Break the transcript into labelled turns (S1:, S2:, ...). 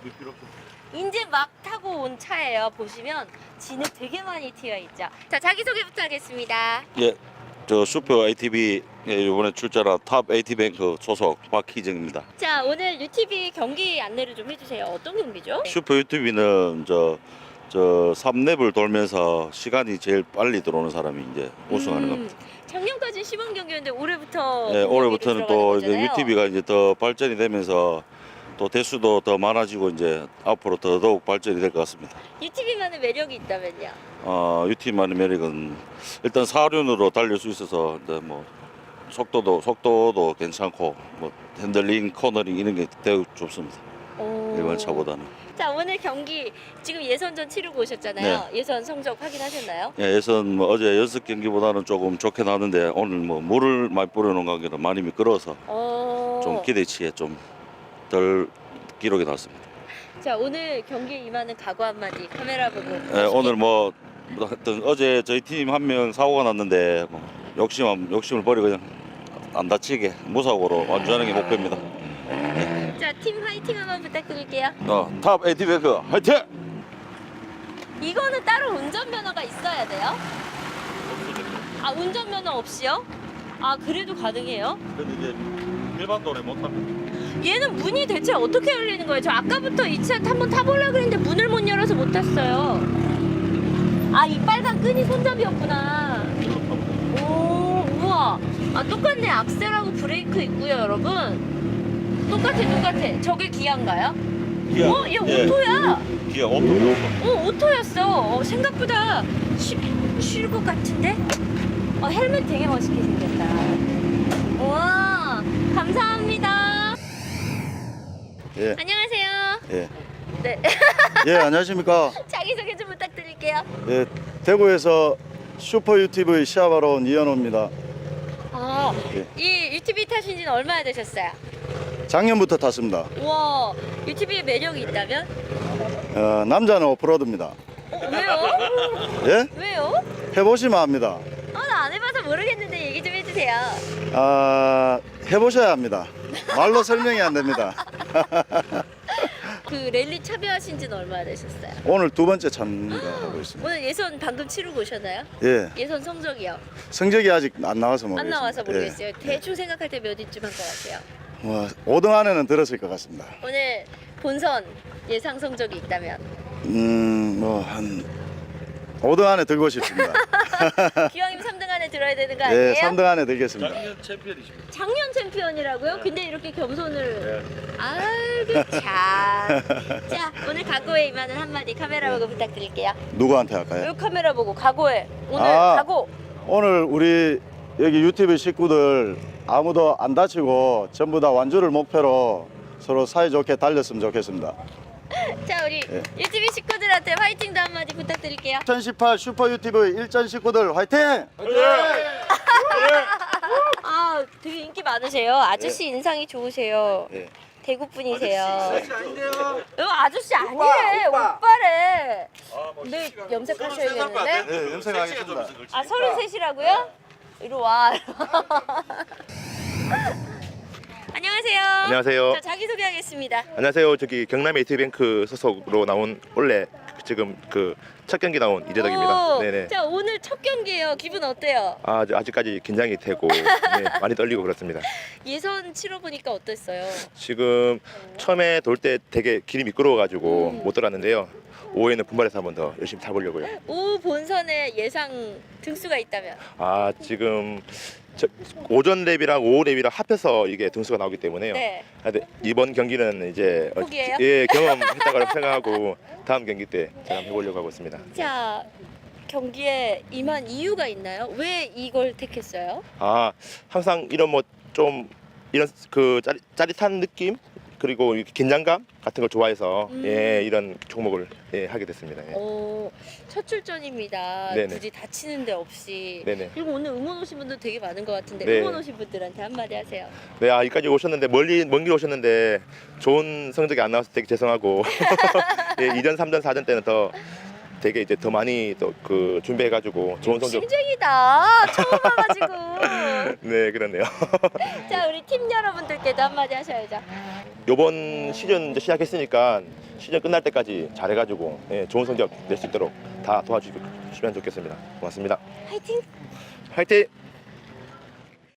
S1: 이제 막 타고 온 차예요. 보시면 진흙 되게 많이 튀어 있죠. 자, 자기소개부터 하겠습니다.
S2: 예, 저 슈퍼 ATV 이번에 출전한 탑 AT뱅크 소속 박희정입니다.
S1: 자, 오늘 UTV 경기 안내를 좀 해주세요. 어떤 경기죠?
S2: 슈퍼 UTV는 저 3랩을 돌면서 시간이 제일 빨리 들어오는 사람이 이제 우승하는 겁니다.
S1: 작년까지 시범 경기였는데 올해부터
S2: 예, 올해부터는 또
S1: 이제
S2: UTV가 이제 더 발전이 되면서 또 대수도 더 많아지고 이제 앞으로 더더욱 발전이 될 것 같습니다.
S1: UTV만의 매력이 있다면요?
S2: UTV만의 매력은 일단 사륜으로 달릴 수 있어서 이제 뭐 속도도 괜찮고 뭐 핸들링, 코너링 이런 게 되게 좋습니다. 일반 차보다는.
S1: 자, 오늘 경기 지금 예선전 치르고 오셨잖아요. 예선 성적 확인하셨나요?
S2: 예, 예선 뭐 어제 연습 경기보다는 조금 좋게 나왔는데 오늘 뭐 물을 많이 뿌려놓은 관계로 많이 미끄러워서 좀 기대치에 좀 덜 기록이 났습니다.
S1: 자, 오늘 경기에 임하는 각오 한마디 카메라 보고.
S2: 예, 오늘 뭐 하여튼 어제 저희 팀 한 명 사고가 났는데 뭐 욕심을 버리고 그냥 안 다치게 무사고로 완주하는 게 목표입니다.
S1: 자, 팀 화이팅 한번 부탁드릴게요.
S2: 탑 AT뱅크 화이팅!
S1: 이거는 따로 운전면허가 있어야 돼요? 아, 운전면허 없이요? 아, 그래도 가능해요?
S2: 근데 이제 일반 도로에 못 탑니다.
S1: 얘는 문이 대체 어떻게 열리는 거예요? 저 아까부터 이 차 한번 타보려고 그랬는데 문을 못 열어서 못 탔어요. 아, 이 빨간 끈이 손잡이였구나. 오, 우와. 아, 똑같네. 악셀하고 브레이크 있고요, 여러분. 똑같아. 저게 기아인가요?
S2: 기아.
S1: 얘 오토야.
S2: 기아 오토.
S1: 오토였어. 생각보다 쉴 것 같은데? 헬멧 되게 멋있게 생겼다. 우와, 감사합니다.
S2: 예.
S1: 안녕하세요.
S2: 예.
S1: 네.
S3: 예, 안녕하십니까.
S1: 자기소개 좀 부탁드릴게요.
S3: 예, 대구에서 슈퍼 UTV 시합하러 온 이현호입니다. 예.
S1: 이 UTV 타신 지는 얼마나 되셨어요?
S3: 작년부터 탔습니다.
S1: 우와, UTV의 매력이 있다면?
S3: 남자는 오프로드입니다.
S1: 왜요?
S3: 예?
S1: 왜요?
S3: 해보시면 압니다.
S1: 나 안 해봐서 모르겠는데 얘기 좀 해주세요.
S3: 해보셔야 합니다. 말로 설명이 안 됩니다.
S1: 그 랠리 참여하신 지는 얼마나 되셨어요?
S3: 오늘 두 번째 참가하고 있습니다.
S1: 오늘 예선 방금 치르고 오셨나요?
S3: 예,
S1: 예선 성적이요?
S3: 성적이 아직 안 나와서 모르겠습니다.
S1: 안 나와서 모르겠어요.
S3: 예.
S1: 대충 생각할 때 몇 위쯤 한 것 같아요?
S3: 5등 안에는 들었을 것 같습니다.
S1: 오늘 본선 예상 성적이 있다면?
S3: 한 5등 안에 들고 싶습니다.
S1: 기왕이면 3등 안에 들어야 되는 거 아니에요?
S3: 예, 3등 안에 들겠습니다.
S2: 작년 챔피언이십니다.
S1: 작년 챔피언이라고요? 근데 이렇게 겸손을. 아이고 참. 자, 오늘 각오에 임하는 한마디 카메라 보고 부탁드릴게요.
S3: 누구한테 할까요?
S1: 이 카메라 보고 각오해. 오늘
S3: 아.
S1: 각오.
S3: 오늘 우리 여기 UTV 식구들 아무도 안 다치고 전부 다 완주를 목표로 서로 사이좋게 달렸으면 좋겠습니다.
S1: 자, 우리
S3: 예.
S1: UTV 식구들한테 화이팅도 한마디 부탁드릴게요.
S3: 2018 슈퍼 UTV 일전 식구들 화이팅!
S1: 아, 되게 인기 많으세요. 아저씨 인상이 좋으세요.
S3: 예.
S1: 대구 분이세요. 아저씨 아니래. 오빠래. 네, 염색하셔야겠는데?
S3: 네, 염색하겠습니다.
S1: 아, 33이라고요? 이리 와. 안녕하세요.
S4: 안녕하세요.
S1: 자, 자기소개하겠습니다.
S4: 안녕하세요. 저기 경남 AT뱅크 소속으로 나온 원래 지금 그 첫 경기 나온 이재덕입니다.
S1: 오,
S4: 네네.
S1: 자, 오늘 첫 경기예요. 기분 어때요?
S4: 아직까지 긴장이 되고 네, 많이 떨리고 그렇습니다.
S1: 예선 치러보니까 어땠어요?
S4: 지금 처음에 돌 때 되게 길이 미끄러워가지고 못 돌았는데요. 오후에는 분발해서 한 번 더 열심히 타보려고요.
S1: 오후 본선에 예상 등수가 있다면?
S4: 지금 오전 랩이랑 오후 랩이랑 합해서 이게 등수가 나오기 때문에요.
S1: 네.
S4: 근데 이번 경기는 이제
S1: 포기해요?
S4: 예, 경험했다고 생각하고 다음 경기 때 제가 한번 해보려고 하고 있습니다.
S1: 자, 경기에 임한 이유가 있나요? 왜 이걸 택했어요?
S4: 항상 이런 뭐 좀 이런 그 짜릿한 느낌 그리고 이렇게 긴장감 같은 걸 좋아해서 예, 이런 종목을 하게 됐습니다. 예.
S1: 첫 출전입니다.
S4: 네네.
S1: 굳이 다치는 데 없이.
S4: 네네.
S1: 그리고 오늘 응원 오신 분들 되게 많은 것 같은데
S4: 네.
S1: 응원 오신 분들한테 한마디 하세요.
S4: 네, 여기까지 오셨는데 먼 길 오셨는데 좋은 성적이 안 나왔을 때 죄송하고 예, 2전, 3전, 4전 때는 더 되게 이제 더 많이 또 그 준비해가지고 좋은 성적.
S1: 욕심쟁이다. 처음 와가지고.
S4: 네, 그렇네요.
S1: 자, 우리 팀 여러분들께도 한마디 하셔야죠.
S4: 이번 시즌 이제 시작했으니까 시즌 끝날 때까지 잘해가지고 예, 좋은 성적 낼 수 있도록 다 도와주시면 좋겠습니다. 고맙습니다.
S1: 화이팅!
S4: 화이팅!